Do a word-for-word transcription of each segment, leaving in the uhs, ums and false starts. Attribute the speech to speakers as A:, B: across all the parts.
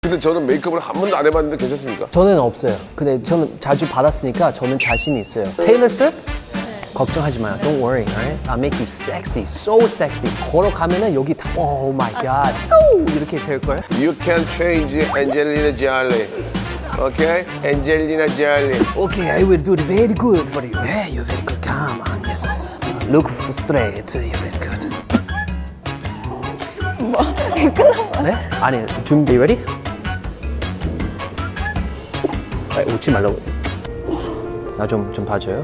A: 근데 저는 메이크업을 한 번도 안 해봤는데 괜찮습니까?
B: 저는 없어요. 근데 저는 자주 받았으니까 저는 자신이 있어요. Taylor Swift? 걱정하지 마요. Don't worry, alright? I'll make you sexy, so sexy. 걸어가면은 여기 다, oh my god, 오! 이렇게 될걸?
A: You can change Angelina Jolie. Okay? Angelina Jolie.
B: Okay, I will do it very good for you. Yeah, you're very good. Come on, yes. Look straight. You're very good.
C: 뭐? 끝난
B: 네? 아니, 준비 ready? 아, 웃지 말라고. 나 좀 좀 봐줘요.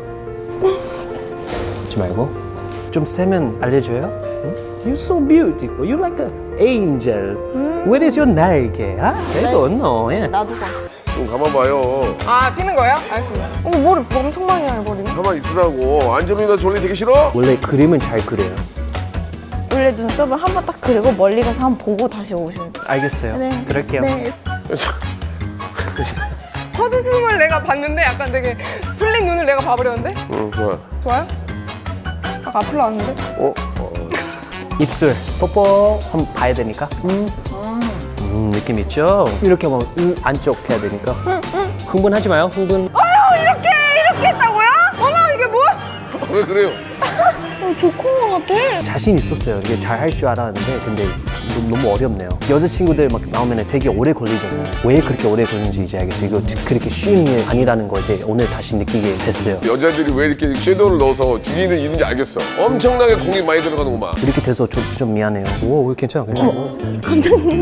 B: 웃지 말고. 좀 세면 알려줘요. 응? You're so beautiful. You're like an angel. Where is your 날개? 아? I don't know. Yeah.
C: 나도 봐.
A: 좀 가만 봐요.
D: 아 피는 거예요? 알겠습니다. 어, 머리 엄청 많이 해요 머리는.
A: 가만 있으라고. 안젤리나 졸리 되게 싫어?
B: 원래 그림은 잘 그려요.
C: 원래 눈썹을 한 번 딱 그리고 멀리 가서 한 번 보고 다시 오시면 돼요.
B: 알겠어요.
C: 네.
B: 그럴게요.
C: 네.
D: 헛웃음을 내가 봤는데 약간 되게 풀린 눈을 내가 봐버렸는데?
A: 응, 좋아.
D: 좋아요? 아까 앞으로 나왔는데?
A: 어? 어.
B: 입술 뽀뽀 한번 봐야 되니까. 음. 음, 느낌 있죠? 이렇게 하면 음, 안쪽 해야 되니까. 흥분하지 마요. 흥분.
D: 아유 이렇게 이렇게 했다고요? 어머 이게 뭐야?
A: 왜 그래요?
C: 어, 좋은 것 같아.
B: 자신 있었어요. 이게 잘 할 줄 알았는데 근데 너무, 너무 어렵네요. 여자친구들 막 나오면 되게 오래 걸리잖아요. 왜 그렇게 오래 걸리는지 이제 알겠어요. 이거 그렇게 쉬운 일 아니라는 거 이제 오늘 다시 느끼게 됐어요.
A: 여자들이 왜 이렇게 섀도우를 넣어서 죽이는 이는지 알겠어. 엄청나게 공이 많이 들어가는구만.
B: 이렇게 돼서 좀, 좀 미안해요. 오, 괜찮아, 괜찮아.
C: 감독님